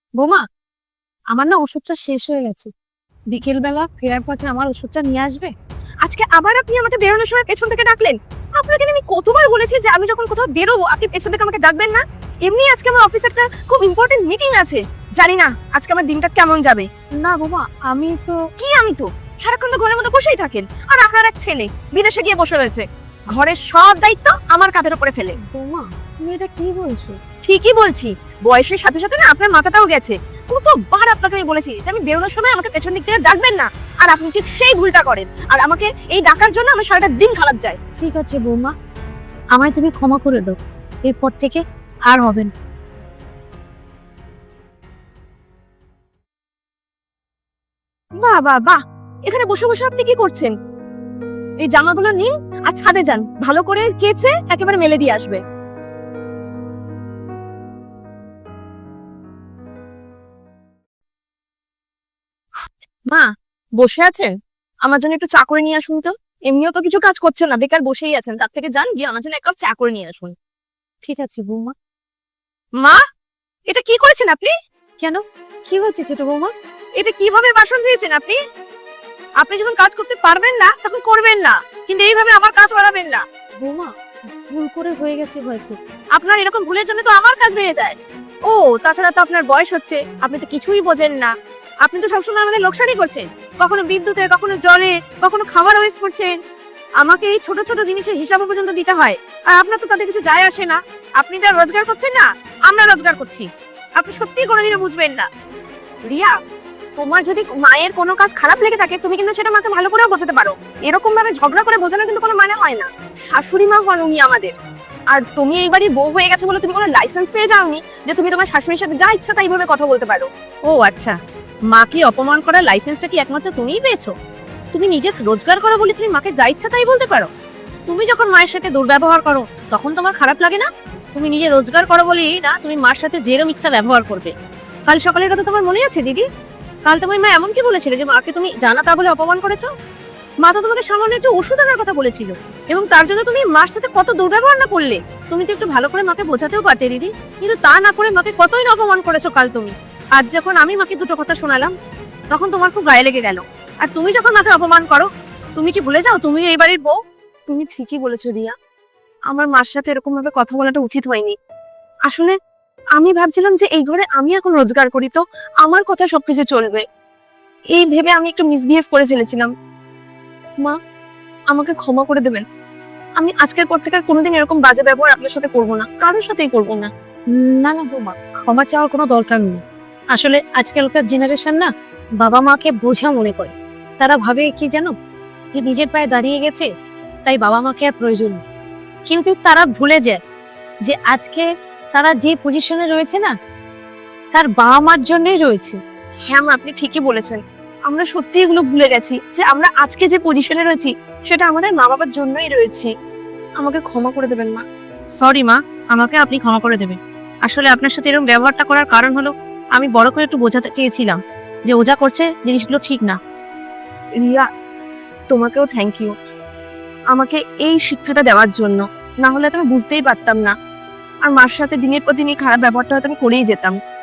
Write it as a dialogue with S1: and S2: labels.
S1: বোমা, আমার না ওষুধটা শেষ হয়ে গেছে। বিকেল বেলা ফেরার পথে আমার ওষুধটা নিয়ে আসবে?
S2: আজকে আবার আপনি আমাকে বেরোনোর সময় পেছন থেকে ডাকলেন। আপনাকে আমি কতবার বলেছি যে আমি যখন কোথাও বেরোবো আপনি পেছন থেকে আমাকে ডাকবেন না। এমনি আজকে আমার অফিসে একটা খুব ইম্পর্টেন্ট মিটিং আছে। জানি না আজকে আমার দিনটা কেমন যাবে।
S1: না বোমা, আমি তো
S2: আমি তো সারাক্ষণ তো ঘরের মধ্যে বসেই থাকেন, আর আপনার এক ছেলে বিদেশে গিয়ে বসে রয়েছে, ঘরের সব দায়িত্ব আমার কাঁধের উপরে ফেলে।
S1: বোমা, তুমি এটা কি বলছো?
S2: ঠিকই বলছি, বয়সের সাথে সাথে না আপনার মাথাটাও গেছে। কতবার আপনাকে আমি বলেছি যে আমি বেরোনোর সময় আমাকে পেছন দিক থেকে ডাকবেন না, আর আপনি ঠিক সেই ভুলটা করেন, আর আমাকে এই ডাকার জন্য আমার সারাটা দিন খারাপ যায়।
S1: ঠিক আছে বৌমা, আমায় তুমি ক্ষমা করে দাও। এরপর থেকে আর হবে না।
S2: বাহ বাহ বাহ, এখানে বসে বসে আপনি কি করছেন? এই জামাগুলো নিন আর ছাদে যান, ভালো করে কেচে একেবারে মেলে দিয়ে আসবে। মা, বসে আছেন? আমার জন্য একটু চা করে নিয়ে আসুন তো। এমনিও তো কিছু কাজ করছেন না, বেকার বসেই আছেন, তার থেকে যান গিয়ে আমার জন্য এক কাপ চা করে নিয়ে আসুন।
S1: ঠিক আছে বৌমা।
S2: মা, এটা কি করেছেন আপনি?
S1: কেন, কি হয়েছে ছোট বৌমা?
S2: এটা কিভাবে বাসন ধুয়েছেন আপনি? আপনি যখন কাজ করতে পারবেন না তখন করবেন না, কিন্তু এইভাবে আমার কাজ বাড়াবেন না।
S1: বৌমা, ভুল করে হয়ে গেছে হয়তো।
S2: আপনার এরকম ভুলের জন্য তো আমার কাজ বেড়ে যায়। ও, তাছাড়া তো আপনার বয়স হচ্ছে, আপনি তো কিছুই বোঝেন না। আপনি তো সবসময় আমাদের লোকসানই করছেন, কখনো বিদ্যুতে, কখনো জলে, কখনো খাবার ওয়েস্ট করছেন। আমাকে এই ছোট ছোট জিনিসের হিসাব পর্যন্ত দিতে হয়, আর আপনার তো তাতে কিছু যায় আসে না। আপনি যা রোজগার করছেন না, আমরা রোজগার করছি। আপনি সত্যিই কোনোদিনও বুঝবেন না। রিয়া, তোমার যদি মায়ের কোনো কাজ খারাপ লেগে থাকে তুমি কিন্তু সেটা মাকে ভালো করেও বোঝাতে পারো। এরকম ভাবে ঝগড়া করে বোঝানোর কিন্তু কোনো মানে হয় না। শাশুড়ি মা হন উনি আমাদের, আর তুমি এই বাড়ির বউ হয়ে গেছো বলে তুমি কোনো লাইসেন্স পেয়ে যাওনি যে তুমি তোমার শাশুড়ির সাথে যা ইচ্ছা তাই ভাবে কথা বলতে পারো। ও আচ্ছা, মাকে অপমান করার লাইসেন্সটা কি একমাত্র তুমিই পেয়েছো? তুমি নিজে রোজগার করো বলে তুমি মাকে যা ইচ্ছা তাই বলতে পারো? তুমি যখন মায়ের সাথে দুর্ব্যবহার করো তখন তোমার খারাপ লাগে না? তুমি নিজে রোজগার করো বলেই না তুমি মার সাথে যেরকম ইচ্ছা ব্যবহার করবে। কাল সকালের কথা তোমার মনে আছে দিদি? কাল তোমার মা এমন কি বলেছিল যে মাকে তুমি জানা তা বলে অপমান করেছো? মা তো তোমাকে সামান্য একটু ওষুধ আনার কথা বলেছিল, এবং তার জন্য তুমি মার সাথে কত দুর্ব্যবহার না করলে। তুমি তো একটু ভালো করে মাকে বোঝাতেও পারতে দিদি, কিন্তু তা না করে মাকে কতই না অপমান করেছো কাল তুমি। আজ যখন আমি মাকে দুটো কথা শোনালাম তখন তোমার খুব গায়ে লেগে গেল। আর তুমি যখন মাকে অপমান করো, তুমি কি ভুলে যাও তুমি এই বাড়ির বউ? তুমি ঠিকই বলেছো রিয়া, আমার মার সাথে এরকম ভাবে কথা বলাটা উচিত হয়নি। আসলে আমি ভাবছিলাম যে এই ঘরে আমি এখন রোজগার করি, তো আমার কথা সবকিছু চলবে, এই ভেবে আমি একটু মিসবিহেভ করে ফেলেছিলাম। মা, আমাকে ক্ষমা করে দেবেন। আমি আজকের পর থেকে আর কোনোদিন এরকম বাজে ব্যবহার আপনার সাথে করবো না, কারোর সাথেই করবো না।
S1: না না বৌমা, ক্ষমা চাওয়ার কোনো দরকার নেই। আসলে আজকালকার জেনারেশন না বাবা মাকে বোঝা মনে করে। তারা ভাবে কি জানো, যে নিজের পায়ে দাঁড়িয়ে গেছে তাই বাবা মাকে আর প্রয়োজন নেই। কিন্তু তারা ভুলে যায় যে আজকে তারা যে পজিশনে রয়েছে না, তার বাবা মার জন্যই রয়েছে।
S2: হ্যাঁ মা, আপনি ঠিকই বলেছেন। আমরা সত্যি এগুলো ভুলে গেছি যে আমরা আজকে যে পজিশনে রয়েছি সেটা আমাদের মা বাবার জন্যই রয়েছে। আমাকে ক্ষমা করে দেবেন মা।
S3: সরি মা, আমাকে আপনি ক্ষমা করে দেবেন। আসলে আপনার সাথে এরকম ব্যবহারটা করার কারণ হলো আমি বড় করে একটু বোঝাতে চেয়েছিলাম যে ও যা করছে জিনিসগুলো ঠিক না।
S2: রিয়া, তোমাকেও থ্যাংক ইউ আমাকে এই শিক্ষাটা দেওয়ার জন্য, না হলে তো আমি বুঝতেই পারতাম না, আর মার সাথে দিনের পর দিন এই খারাপ ব্যবহারটা হয়তো আমি করেই যেতাম।